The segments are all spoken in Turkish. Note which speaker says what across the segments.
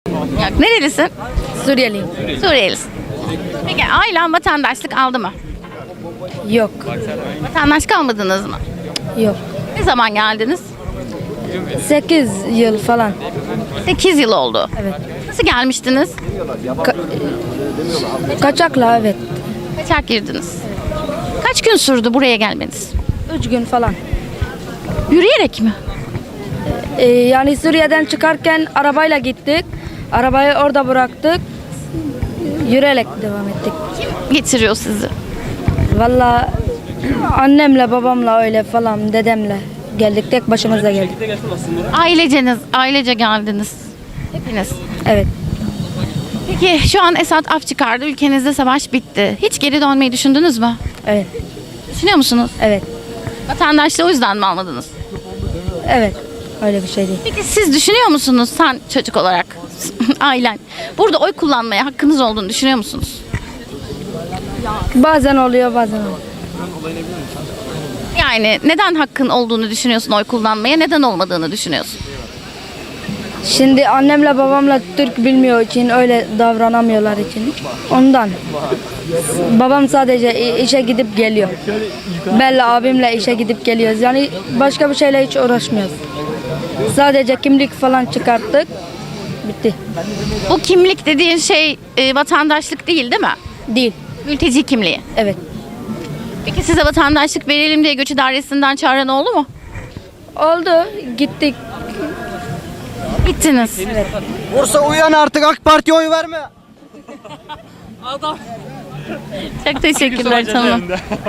Speaker 1: Yok. Nerelisin?
Speaker 2: Suriyeliyim.
Speaker 1: Suriyelisin. Peki ailen vatandaşlık aldı mı?
Speaker 2: Yok.
Speaker 1: Vatandaşlık almadınız mı?
Speaker 2: Yok.
Speaker 1: Ne zaman geldiniz?
Speaker 2: 8 yıl falan.
Speaker 1: 8 yıl oldu.
Speaker 2: Evet.
Speaker 1: Nasıl gelmiştiniz?
Speaker 2: Kaçakla evet.
Speaker 1: Kaçak girdiniz. Kaç gün sürdü buraya gelmeniz?
Speaker 2: 3 gün falan.
Speaker 1: Yürüyerek mi?
Speaker 2: Yani Suriye'den çıkarken arabayla gittik. Arabayı orada bıraktık. Yürüyerek devam ettik.
Speaker 1: Getiriyor sizi.
Speaker 2: Valla annemle babamla öyle falan dedemle geldik. Tek başımıza geldik.
Speaker 1: Ailece geldiniz. Hepiniz.
Speaker 2: Evet.
Speaker 1: Peki şu an Esad af çıkardı. Ülkenizde savaş bitti. Hiç geri dönmeyi düşündünüz mü?
Speaker 2: Evet.
Speaker 1: Düşünüyor musunuz?
Speaker 2: Evet.
Speaker 1: Vatandaşlığı o yüzden mi almadınız?
Speaker 2: Evet. Öyle bir şey değil.
Speaker 1: Peki siz düşünüyor musunuz sen çocuk olarak, ailen, burada oy kullanmaya hakkınız olduğunu düşünüyor musunuz?
Speaker 2: Bazen oluyor bazen olmuyor.
Speaker 1: Yani neden hakkın olduğunu düşünüyorsun oy kullanmaya, neden olmadığını düşünüyorsun?
Speaker 2: Şimdi annemle babamla Türk bilmiyor için öyle davranamıyorlar için. Ondan. Babam sadece işe gidip geliyor. Benle abimle işe gidip geliyoruz. Yani başka bir şeyle hiç uğraşmıyoruz. Sadece kimlik falan çıkarttık. Bitti.
Speaker 1: Bu kimlik dediğin şey vatandaşlık değil mi?
Speaker 2: Değil.
Speaker 1: Mülteci kimliği.
Speaker 2: Evet.
Speaker 1: Peki size vatandaşlık verelim diye göç idaresinden çağıran oldu mu?
Speaker 2: Oldu. Gittik.
Speaker 1: Gittiniz.
Speaker 3: Bursa uyan artık, AK Parti'ye oy verme.
Speaker 1: Çok teşekkürler, tamam.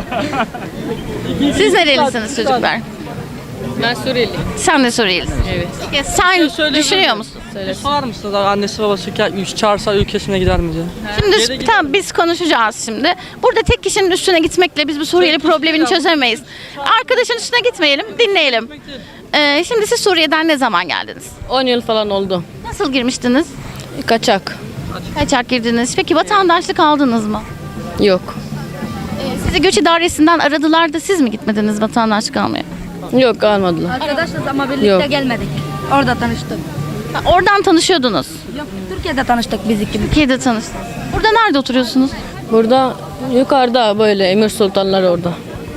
Speaker 1: Siz nerelisiniz çocuklar?
Speaker 4: Ben Suriyeliyim.
Speaker 1: Sen de Suriyelisin.
Speaker 4: Evet.
Speaker 1: Peki sen düşünüyor musun?
Speaker 4: Sorar mısınız annesi babası çağırsa ülkesine gider mi diye?
Speaker 1: Şimdi tamam, biz konuşacağız şimdi. Burada tek kişinin üstüne gitmekle biz bu Suriyeli problemini çözemeyiz. Arkadaşın üstüne gitmeyelim, dinleyelim. Şimdi siz Suriye'den ne zaman geldiniz?
Speaker 4: 10 yıl falan oldu.
Speaker 1: Nasıl girmiştiniz?
Speaker 4: Kaçak.
Speaker 1: Kaçak girdiniz. Peki vatandaşlık aldınız mı?
Speaker 4: Yok.
Speaker 1: Sizi göç idaresinden aradılar da siz mi gitmediniz vatandaşlık almaya?
Speaker 4: Yok almadılar.
Speaker 2: Arkadaşlar ama birlikte
Speaker 4: Yok.
Speaker 2: gelmedik. Orada tanıştık.
Speaker 1: Ha, oradan tanışıyordunuz.
Speaker 2: Yok, Türkiye'de tanıştık biz ikimiz.
Speaker 1: Türkiye'de tanıştınız. Burada nerede oturuyorsunuz?
Speaker 4: Burada yukarıda böyle Emir Sultanlar orada.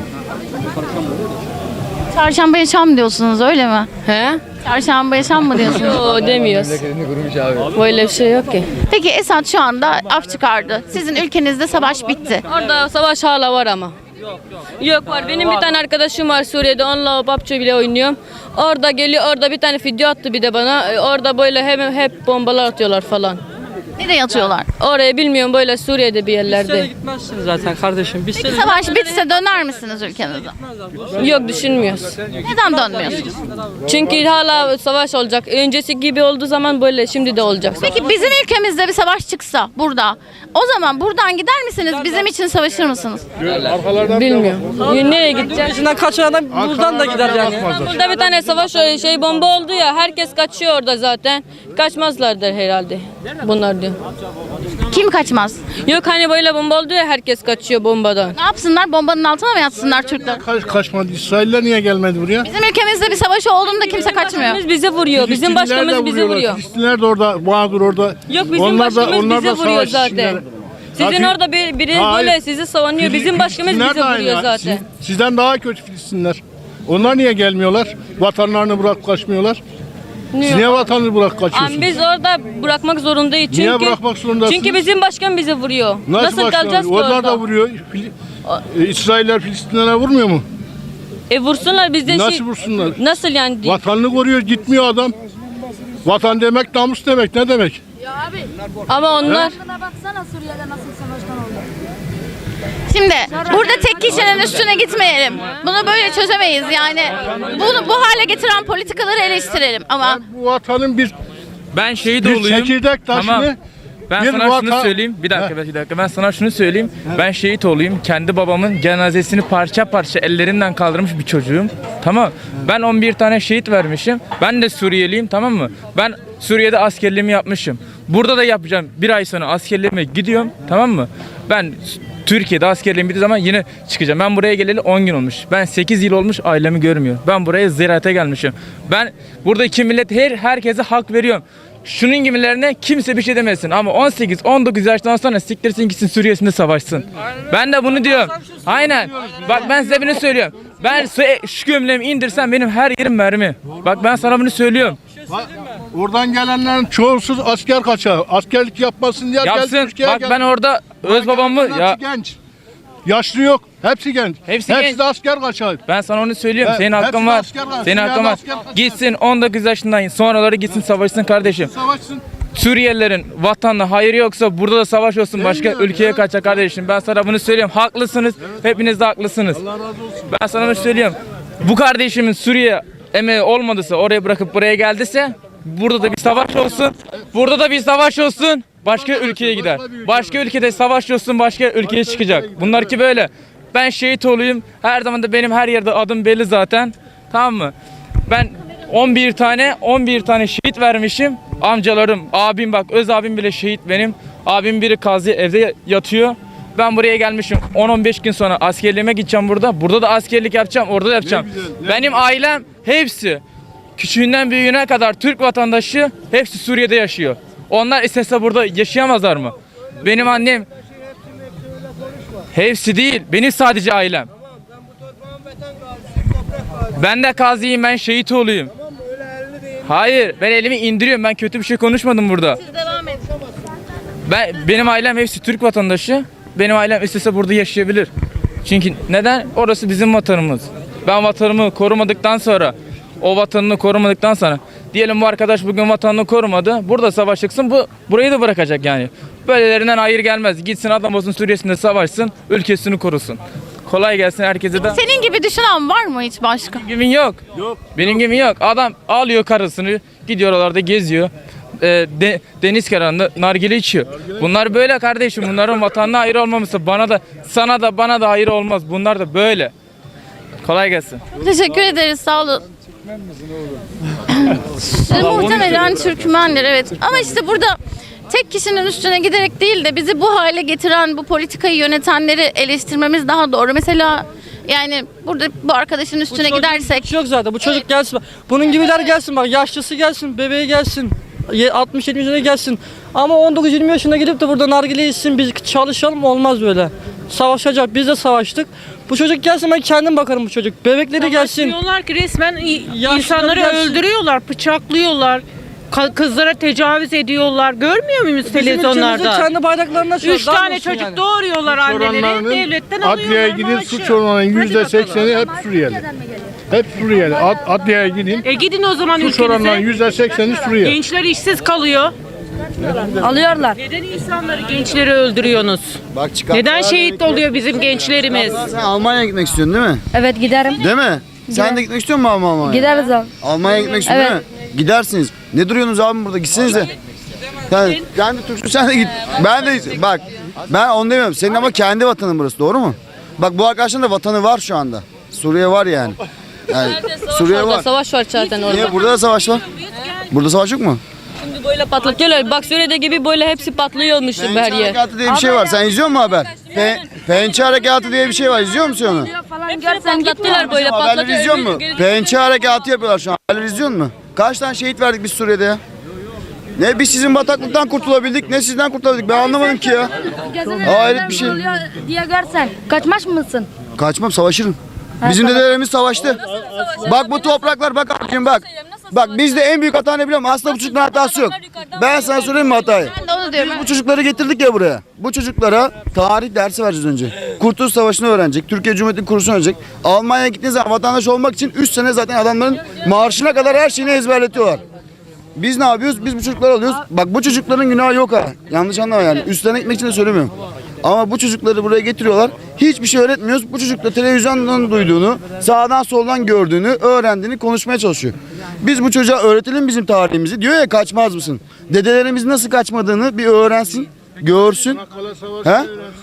Speaker 1: Çarşambaya Şam diyorsunuz, öyle mi?
Speaker 4: He?
Speaker 1: Çarşambaya Şam mı diyorsunuz?
Speaker 4: Yok demiyoruz. Böyle bir şey yok ki.
Speaker 1: Peki Esad şu anda af çıkardı. Sizin ülkenizde savaş bitti.
Speaker 4: Orada savaş hala var ama. Yok var. Benim bir tane arkadaşım var Suriye'de. Onunla PUBG bile oynuyorum. Orada geliyor. Orada bir tane video attı bir de bana. Orada böyle hep bombalar atıyorlar falan.
Speaker 1: Nereye atıyorlar?
Speaker 4: Oraya bilmiyorum böyle Suriye'de bir yerlerde.
Speaker 5: Gitmezsiniz zaten kardeşim. Biz
Speaker 1: Peki savaş bitse döner misiniz ülkenize?
Speaker 4: Yok düşünmüyoruz.
Speaker 1: Neden dönmüyorsunuz?
Speaker 4: Çünkü hala savaş olacak. Öncesi gibi olduğu zaman böyle şimdi de olacak.
Speaker 1: Peki bizim ülkemizde bir savaş çıksa burada, o zaman buradan gider misiniz? Bizim için savaşır mısınız?
Speaker 4: Bilmiyorum. Nereye gideceğiz?
Speaker 5: peşinden kaçan adam buradan da gider yani.
Speaker 4: Burada bir tane savaş bomba oldu ya. Herkes kaçıyor orada zaten. Kaçmazlardır herhalde. Bunlar diyor.
Speaker 1: Kim kaçmaz?
Speaker 4: Yok hani böyle bomba oldu ya herkes kaçıyor bombadan.
Speaker 1: Ne yapsınlar? Bombanın altına mı yatsınlar Türkler?
Speaker 6: Kaçmadı. İsrailler niye gelmedi buraya?
Speaker 1: Bizim ülkemizde bir savaş olduğunda kimse kaçmıyor.
Speaker 4: Başkanımız bizi vuruyor. Bizim başkanımız bizi vuruyor.
Speaker 6: Filistinler de orada, mağdur orada.
Speaker 4: Yok bizim başkanımız bizi vuruyor
Speaker 6: savaş
Speaker 4: zaten.
Speaker 6: içindeler.
Speaker 4: Sizin
Speaker 6: Ya,
Speaker 4: orada biri
Speaker 6: Hayır.
Speaker 4: böyle sizi savunuyor. Bizim başkanımız
Speaker 6: Filistinler
Speaker 4: bizi
Speaker 6: de aynı
Speaker 4: vuruyor
Speaker 6: ya.
Speaker 4: zaten.
Speaker 6: Sizden daha kötü Filistinler. Onlar niye gelmiyorlar? Vatanlarını bırakıp kaçmıyorlar. Siz niye vatanını bırakıp kaçıyorsunuz?
Speaker 4: Ama biz orada bırakmak zorundayız. Çünkü,
Speaker 6: Niye bırakmak zorundasınız?
Speaker 4: Çünkü bizim başkan bizi vuruyor. Nasıl
Speaker 6: başkanlar?
Speaker 4: kalacağız ki
Speaker 6: Onlar
Speaker 4: orada?
Speaker 6: da vuruyor. İsrailler Filistinlere vurmuyor mu?
Speaker 4: Vursunlar bizden
Speaker 6: Nasıl vursunlar?
Speaker 4: Nasıl yani?
Speaker 6: Vatanını koruyor, gitmiyor adam. Vatan demek namus demek. Ne demek?
Speaker 4: Ama onlar
Speaker 2: Baksana Suriye'de nasıl savaştan oldu.
Speaker 1: Şimdi burada tek kişinin üstüne gitmeyelim. Bunu böyle çözemeyiz yani. Bunu bu hale getiren politikaları eleştirelim ama
Speaker 6: Bu vatanın bir
Speaker 7: Ben şehit
Speaker 6: Bir
Speaker 7: olayım.
Speaker 6: çekirdek taşını
Speaker 7: Tamam. Ben
Speaker 6: bir
Speaker 7: sana şunu
Speaker 6: vatan-
Speaker 7: söyleyeyim. Bir dakika. Ben sana şunu söyleyeyim. Ben şehit olayım. Kendi babamın cenazesini parça parça ellerinden kaldırmış bir çocuğum. Tamam. Ben 11 tane şehit vermişim. Ben de Suriyeliyim, tamam mı? Ben Suriye'de askerliğimi yapmışım. Burada da yapacağım. Bir ay sonra askerliğime gidiyorum. Tamam mı? Ben Türkiye'de askerliğim bittiği zaman yine çıkacağım. Ben buraya geleli 10 gün olmuş. Ben 8 yıl olmuş ailemi görmüyor. Ben buraya ziyarete gelmişim. Ben buradaki millet herkese hak veriyorum. şunun gibilerine kimse bir şey demesin. Ama 18-19 yaştan sonra siktirsin gitsin Suriye'sinde savaşsın. Ben de bunu diyorum. Aynen. Bak ben size bunu söylüyorum. Ben şu gömleğimi indirsem benim her yerim mermi. Bak ben sana bunu söylüyorum.
Speaker 6: Bak, oradan gelenlerin çoğusuz asker kaçağı. Askerlik yapmasın diye
Speaker 7: Yapsın.
Speaker 6: geldi Türkiye'ye
Speaker 7: Bak
Speaker 6: geldi.
Speaker 7: ben orada öz babamı
Speaker 6: Hepsi
Speaker 7: ya
Speaker 6: genç. Yaşlı yok. Hepsi genç.
Speaker 7: Hepsi
Speaker 6: Hepsi
Speaker 7: genç.
Speaker 6: de asker kaçağı.
Speaker 7: ben sana onu söylüyorum. Senin
Speaker 6: hepsi
Speaker 7: hakkın
Speaker 6: de
Speaker 7: var.
Speaker 6: asker var.
Speaker 7: Senin hakkın var.
Speaker 6: Asker kaçağı.
Speaker 7: Gitsin 19 yaşından sonraları gitsin savaşsın kardeşim.
Speaker 6: Savaşsın.
Speaker 7: Suriyelilerin vatanla hayır yoksa burada da savaş olsun başka
Speaker 6: Değil mi?
Speaker 7: ülkeye
Speaker 6: Evet.
Speaker 7: kaçacak kardeşim. Ben sana bunu söylüyorum. Haklısınız. Hepiniz de haklısınız.
Speaker 6: Allah razı olsun.
Speaker 7: Ben sana bunu söylüyorum. Bu kardeşimin Suriye emeği olmadıysa oraya bırakıp buraya geldiyse burada da bir savaş olsun. Burada da bir savaş olsun. Başka ülkeye gider. Başka ülkede savaş olsun başka ülkeye çıkacak. Bunlar ki böyle. Ben şehit olayım. Her zaman da benim her yerde adım belli zaten. Tamam mı? Ben 11 tane şehit vermişim. Amcalarım, abim bak öz abim bile şehit benim. Abim biri Kazi evde yatıyor. Ben buraya gelmişim. 10-15 gün sonra askerliğime gideceğim burada. Burada da askerlik yapacağım, orada da yapacağım. Benim ailem hepsi küçüğünden büyüğüne kadar Türk vatandaşı hepsi Suriye'de yaşıyor. Onlar istese burada yaşayamazlar mı? Benim annem hepsi değil. Benim sadece ailem. Ben de gaziyim, ben şehit olayım. Hayır, ben elimi indiriyorum. Ben kötü bir şey konuşmadım burada.
Speaker 1: Siz devam edin.
Speaker 7: Benim ailem hepsi Türk vatandaşı. Benim ailem istese burada yaşayabilir. Çünkü neden? Orası bizim vatanımız. Ben vatanımı korumadıktan sonra, o vatanını korumadıktan sonra, diyelim bu arkadaş bugün vatanını korumadı. Burada savaş çıksın, burayı da bırakacak yani. Böylelerinden hayır gelmez. Gitsin adam olsun Suriye'sinde savaşsın, ülkesini korusun. Kolay gelsin herkese de.
Speaker 1: Senin gibi düşünen var mı hiç başka?
Speaker 7: Benim gibi yok. Benim gibi yok. Adam alıyor karısını, gidiyor oralarda geziyor. Deniz kenarında nargile içiyor. Bunlar böyle kardeşim. Bunların vatanına hayır olmaması bana da sana da bana da hayır olmaz. Bunlar da böyle. Kolay gelsin.
Speaker 1: Teşekkür ederiz, sağ olun. Muhtemelen Türkmenler, evet. Ama işte burada tek kişinin üstüne giderek değil de bizi bu hale getiren, bu politikayı yönetenleri eleştirmemiz daha doğru. Mesela yani burada bu arkadaşın üstüne gidersek.
Speaker 5: Hiç yok zaten. Bu çocuk gelsin. Bunun gibiler gelsin bak. Yaşlısı gelsin, bebeği gelsin. 60-70 yaşına gelsin. Ama 19-20 yaşına gidip de burada nargile içsin, biz çalışalım, olmaz böyle. Savaşacak. Biz de savaştık. Bu çocuk gelsin, ben kendim bakarım bu çocuk. Bebekleri gelsin.
Speaker 8: Diyorlar ki resmen
Speaker 5: Yaşlıları
Speaker 8: insanları
Speaker 5: gelsin.
Speaker 8: öldürüyorlar, bıçaklıyorlar. Kızlara tecavüz ediyorlar. Görmüyor muyuz
Speaker 5: Bizim
Speaker 8: televizyonlarda?
Speaker 5: ülkemizin kendi bayraklarına açıyor.
Speaker 8: 3 tane çocuk doğuruyorlar anneleri. Devletten
Speaker 6: adliyeye
Speaker 8: alıyorlar
Speaker 6: gidin
Speaker 8: maaşı.
Speaker 6: suç oranlarının %80'i hep Suriyeli. Hep Suriyeli. Adliyeye gidin.
Speaker 8: Gidin o zaman
Speaker 6: Suç oranlarının
Speaker 8: ülkenize.
Speaker 6: %80'i Suriyeli.
Speaker 8: Gençler işsiz kalıyor.
Speaker 2: Alıyorlar.
Speaker 8: Neden insanları, gençleri öldürüyorsunuz?
Speaker 3: Bak çıkar.
Speaker 8: Neden şehit oluyor bizim gençlerimiz?
Speaker 3: Sen Almanya'ya gitmek istiyorsun değil mi?
Speaker 2: Evet giderim.
Speaker 3: Değil mi? Sen de gitmek istiyor musun Almanya'ya?
Speaker 2: Gideriz abi.
Speaker 3: Almanya'ya gitmek istiyorsun değil mi? Gidersiniz. Ne duruyorsunuz abi burada? Gitsiniz de. Sen de Türksün, sen de git. Ben de bak. Ben onu demiyorum. Senin ama kendi vatanın burası, doğru mu? Bak bu arkadaşın da vatanı var şu anda. Suriye var yani. Yani Suriye var.
Speaker 4: Savaş var zaten orada.
Speaker 3: Niye? Burada da savaş var. Burada savaş yok mu?
Speaker 4: Şimdi böyle patlatıyorlar. Bak Suriye'de gibi böyle hepsi patlıyormuş her
Speaker 3: Pençe
Speaker 4: yer.
Speaker 3: Harekatı diye bir şey var. Sen izliyor musun haber? Pençe Harekatı diye bir şey var. İzliyor musun onu?
Speaker 4: Hepsini patlattılar böyle
Speaker 3: Haberleri izliyor musun?
Speaker 4: patlatıyor.
Speaker 3: Pençe Harekatı yapıyorlar şu an. Haberleri izliyor musun? Kaç tane şehit verdik biz Suriye'de ya? Ne biz sizin bataklıktan kurtulabildik, ne sizden kurtulabildik. Ben anlamadım ki ya. Hayret bir şey.
Speaker 2: Diye görsen kaçmaz mısın?
Speaker 3: Kaçmam, savaşırım. Bizim dedelerimiz savaştı. Bak bu topraklar, bak abicim bak. Bak bizde en büyük hata ne biliyor musun? Aslında bu çocukların hatası yok. Ben sana söyleyeyim mi hatayı?
Speaker 1: Ben de onu diyorum.
Speaker 3: Bu çocukları getirdik ya buraya. Bu çocuklara tarih dersi vereceğiz önce. Kurtuluş Savaşı'nı öğrenecek. Türkiye Cumhuriyeti'nin kuruluşunu öğrenecek. Almanya'ya gittiğiniz zaman vatandaş olmak için 3 sene zaten adamların marşına kadar her şeyini ezberletiyorlar. Biz ne yapıyoruz? Biz bu çocukları alıyoruz. Bak bu çocukların günahı yok ha. Yanlış anlama yani. Üstlerine gitmek için de söylemiyorum. Ama bu çocukları buraya getiriyorlar. Hiçbir şey öğretmiyoruz. Bu çocuk da televizyondan duyduğunu, sağdan soldan gördüğünü, öğrendiğini konuşmaya çalışıyor. Biz bu çocuğa öğretelim bizim tarihimizi. Diyor ya, kaçmaz mısın? Dedelerimizin nasıl kaçmadığını bir öğrensin, görsün. He?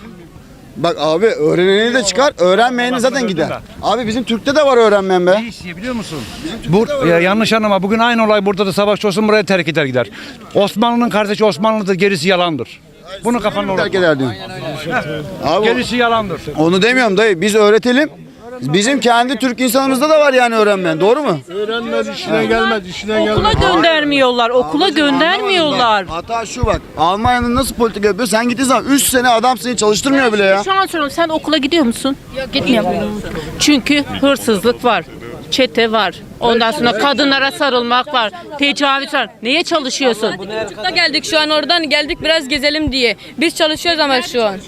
Speaker 3: Bak abi, öğreneni de çıkar, öğrenmeyeni zaten gider. Abi bizim Türk'te de var öğrenmeyen be.
Speaker 9: Biliyor musun? Yanlış anlama. Bugün aynı olay burada da savaş olsun, buraya terk eder gider. Osmanlı'nın kardeşi Osmanlı'dır, gerisi yalandır. Bunu kafanda
Speaker 3: Terk
Speaker 9: olur.
Speaker 3: eder diyor. Abi
Speaker 9: Gerisi yalandır.
Speaker 3: onu demiyorum dayı. Biz öğretelim. Bizim kendi Türk insanımızda da var yani öğrenmeyen. Doğru mu?
Speaker 6: Öğrenmez, işine gelmez, işine
Speaker 8: Okula
Speaker 6: gelmez.
Speaker 8: göndermiyorlar. Okula
Speaker 3: Ablacığım,
Speaker 8: göndermiyorlar.
Speaker 3: anlamadım bak. Hata şu bak. Almanya'nın nasıl politika yapıyor? Sen gittiğin zaman 3 sene adam seni çalıştırmıyor bile ya.
Speaker 8: Şu an soruyorum, sen okula gidiyor musun?
Speaker 2: Gitmiyorum.
Speaker 8: Çünkü hırsızlık var. Çete var. Ondan sonra kadınlara sarılmak var. Tecavüz var. Neye çalışıyorsun?
Speaker 4: Da geldik şu an oradan geldik biraz gezelim diye. Biz çalışıyoruz ama şu an.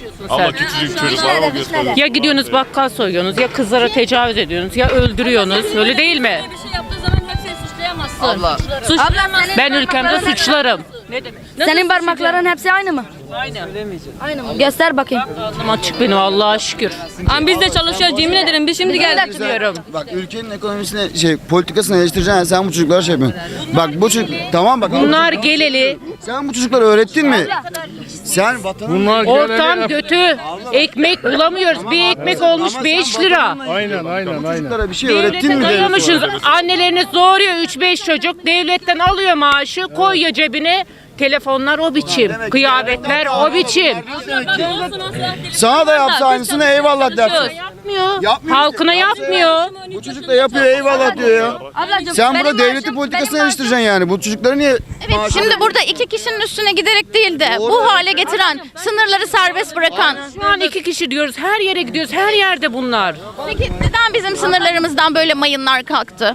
Speaker 8: Ya gidiyorsunuz bakkal soyuyorsunuz, ya kızlara tecavüz ediyorsunuz, ya öldürüyorsunuz. Öyle değil mi?
Speaker 4: Bir şey yaptığı zaman hepsini suçlayamazsın.
Speaker 3: Abla.
Speaker 4: Suçlayamazsın.
Speaker 8: Ben ülkemde suçlarım. Ne demek?
Speaker 2: Senin parmakların hepsi aynı mı?
Speaker 8: Aynı.
Speaker 2: Aynı mı? Göster bakayım.
Speaker 8: Ağzım açık benim, Allah'a şükür.
Speaker 4: Ama biz de çalışıyoruz yemin ederim. Biz şimdi geldik.
Speaker 8: Diyorum.
Speaker 3: Bak ülkenin ekonomisine politikasını eleştireceksin. Sen bu çocuklara şey yapıyorsun. Bak bu çocuk tamam bak.
Speaker 8: Bunlar geleli,
Speaker 3: Sen bu çocuklara öğrettin mi? Sen vatanın
Speaker 6: Bunlar
Speaker 8: ortam kötü. Ekmek bulamıyoruz. Bir ekmek olmuş 5 lira.
Speaker 6: Aynen.
Speaker 3: çocuklara bir şey öğrettin
Speaker 8: Devlete
Speaker 3: mi?
Speaker 8: dayamışız. Anneleriniz doğuruyor 3-5 çocuk. Devletten alıyor maaşı, koyuyor cebine. Telefonlar o biçim. Kıyafetler o biçim.
Speaker 3: Sana da yapsa aynısını eyvallah dersin.
Speaker 8: Yapmıyor.
Speaker 3: Yapmıyor.
Speaker 8: Halkına yapmıyor.
Speaker 3: Bu çocuk da yapıyor eyvallah diyor ya.
Speaker 2: Ablacığım,
Speaker 3: Sen
Speaker 2: benim
Speaker 3: burada devleti
Speaker 2: maaşım-
Speaker 3: politikasını
Speaker 2: benim
Speaker 3: eleştireceksin yani. Bu çocukları niye
Speaker 1: Evet, şimdi burada iki kişinin üstüne giderek değil de bu hale getiren, sınırları serbest bırakan.
Speaker 8: Şu an 2 kişi diyoruz. Her yere gidiyoruz. Her yerde bunlar.
Speaker 1: Peki neden bizim sınırlarımızdan böyle mayınlar kalktı?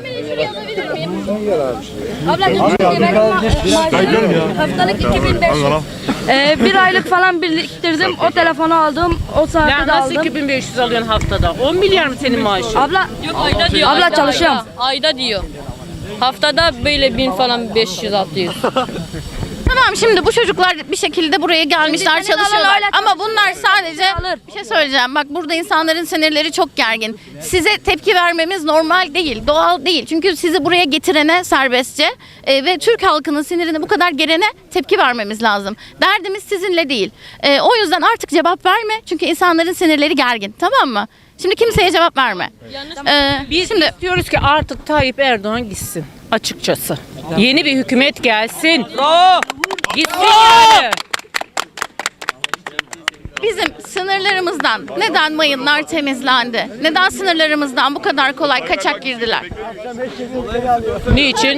Speaker 2: Haftalık 2500. Bir aylık falan biriktirdim. O telefonu aldım. O saati
Speaker 8: Ya
Speaker 2: de
Speaker 8: nasıl
Speaker 2: aldım.
Speaker 8: 2500 alıyorsun haftada? 10 milyar mı senin maaşın?
Speaker 2: Abla
Speaker 4: Yok ayda diyor.
Speaker 2: Abla
Speaker 4: ayda,
Speaker 2: çalışıyorum.
Speaker 4: Ayda diyor. Haftada böyle 1000 falan 500 600.
Speaker 1: Tamam, şimdi bu çocuklar bir şekilde buraya gelmişler,
Speaker 2: Senin alan
Speaker 1: çalışıyorlar.
Speaker 2: öyle
Speaker 1: Ama bunlar sadece
Speaker 2: alır.
Speaker 1: bir şey söyleyeceğim. Bak burada insanların sinirleri çok gergin. Size tepki vermemiz normal değil, doğal değil. Çünkü sizi buraya getirene serbestçe ve Türk halkının sinirini bu kadar gerene tepki vermemiz lazım. Derdimiz sizinle değil. O yüzden artık cevap verme. Çünkü insanların sinirleri gergin. Tamam mı? Şimdi kimseye cevap verme.
Speaker 8: Biz
Speaker 1: Şimdi
Speaker 8: istiyoruz ki artık Tayyip Erdoğan gitsin. Açıkçası. Yeni bir hükümet gelsin. Gitsin yani.
Speaker 1: bizim sınırlarımızdan neden mayınlar temizlendi? Neden sınırlarımızdan bu kadar kolay kaçak girdiler?
Speaker 8: Niçin?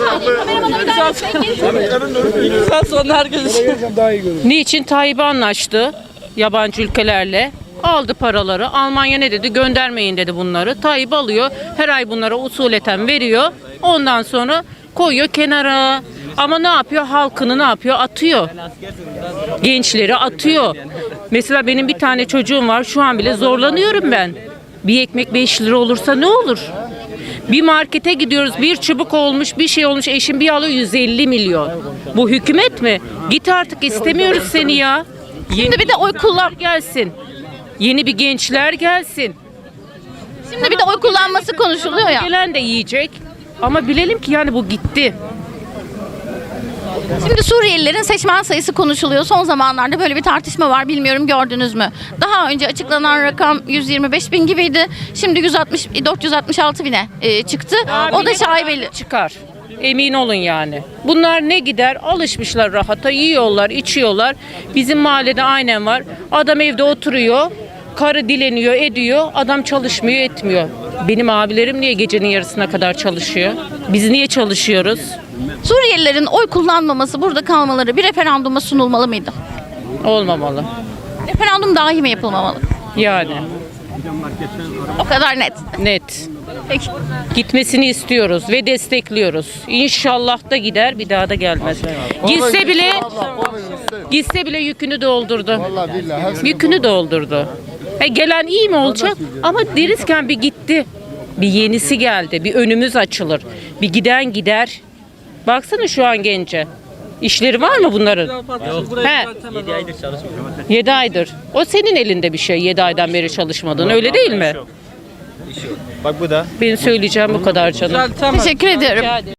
Speaker 8: Niçin Tayyip anlaştı yabancı ülkelerle? Aldı paraları. Almanya ne dedi? Göndermeyin dedi bunları. Tayyip alıyor. Her ay bunlara usuleten veriyor. Ondan sonra koyuyor kenara. Ama ne yapıyor? Halkını ne yapıyor? Atıyor. Gençleri atıyor. Mesela benim bir tane çocuğum var. Şu an bile zorlanıyorum ben. Bir ekmek 5 lira olursa ne olur? Bir markete gidiyoruz. Bir çubuk olmuş, bir şey olmuş. Eşim bir alıyor 150 milyon. Bu hükümet mi? Git artık, istemiyoruz seni ya.
Speaker 1: Şimdi bir de oy kullan.
Speaker 8: Gelsin. Yeni bir gençler gelsin.
Speaker 1: Şimdi bir de oy kullanması konuşuluyor ya.
Speaker 8: Gelen de yiyecek. Ama bilelim ki yani bu gitti.
Speaker 1: Şimdi Suriyelilerin seçmen sayısı konuşuluyor. Son zamanlarda böyle bir tartışma var. Bilmiyorum gördünüz mü? Daha önce açıklanan rakam 125 bin gibiydi. Şimdi 466 bine çıktı. O da şaibeli.
Speaker 8: Çıkar. Emin olun yani. Bunlar ne gider? Alışmışlar rahata. Yiyorlar, içiyorlar. Bizim mahallede aynen var. Adam evde oturuyor. Karı dileniyor, ediyor. Adam çalışmıyor, etmiyor. Benim abilerim niye gecenin yarısına kadar çalışıyor? Biz niye çalışıyoruz?
Speaker 1: Suriyelilerin oy kullanmaması, burada kalmaları bir referanduma sunulmalı mıydı?
Speaker 8: Olmamalı.
Speaker 1: Referandum dahi mi yapılmamalı?
Speaker 8: Yani.
Speaker 1: O kadar net.
Speaker 8: Net.
Speaker 1: Peki.
Speaker 8: Gitmesini istiyoruz ve destekliyoruz. İnşallah da gider, bir daha da gelmez. Gitse bile yükünü doldurdu. Yükünü doldurdu. Gelen iyi mi olacak? Ama derizken bir gitti. Bir yenisi geldi. Bir önümüz açılır. Bir giden gider. Baksana şu an gence. İşleri var mı bunların? He. 7 aydır çalışmıyor. 7 aydır. O senin elinde bir şey 7 aydan beri çalışmadın. Öyle değil mi?
Speaker 10: Bak bu da.
Speaker 8: Benim söyleyeceğim bu kadar canım.
Speaker 1: Teşekkür ediyorum.
Speaker 8: Rica ederim.